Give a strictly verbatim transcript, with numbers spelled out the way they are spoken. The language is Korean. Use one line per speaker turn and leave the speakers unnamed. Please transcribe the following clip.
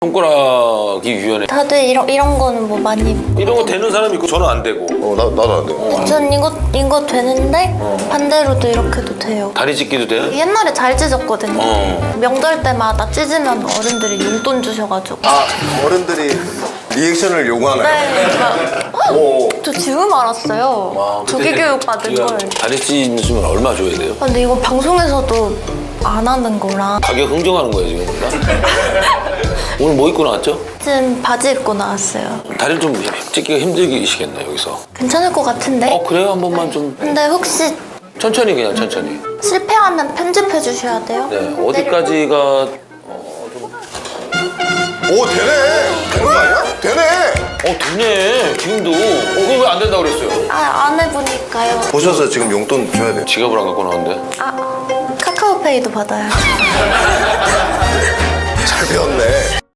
손가락이 유연해.
다들 이런 이런 거는 뭐 많이.
이런 거 되는 사람이 있고 저는 안 되고.
어, 나, 나도 안 돼.
전 이거 이거 되는데 반대로도 이렇게도 돼요.
다리 찢기도 돼?
옛날에 잘 찢었거든요.
어.
명절 때마다 찢으면 어른들이 용돈 주셔가지고.
아, 어른들이 리액션을 요구하나요?
네. 막,
오.
저 지금 알았어요.
와,
조기 교육 받은
지금
걸.
다리 찢으면 얼마 줘야 돼요?
아, 근데 이거 방송에서도 안 하는 거라.
가격 흥정하는 거예요 지금. 오늘 뭐 입고 나왔죠?
지금 바지 입고 나왔어요.
다리를 좀 찢기가 힘들시겠네 여기서.
괜찮을 것 같은데?
어 그래요? 한 번만 좀
근데 혹시
천천히 그냥 천천히.
실패하면 편집해 주셔야 돼요.
네 어디까지가
오, 되네. 되는 거 아니야? 되네.
어 되네 지금도. 어 그거 왜 안 된다고 그랬어요?
아, 안 해보니까요.
보셔서 지금 용돈 줘야 돼요.
지갑을 안 갖고 나왔는데.
아, 카카오페이도 받아요.
잘 배웠네.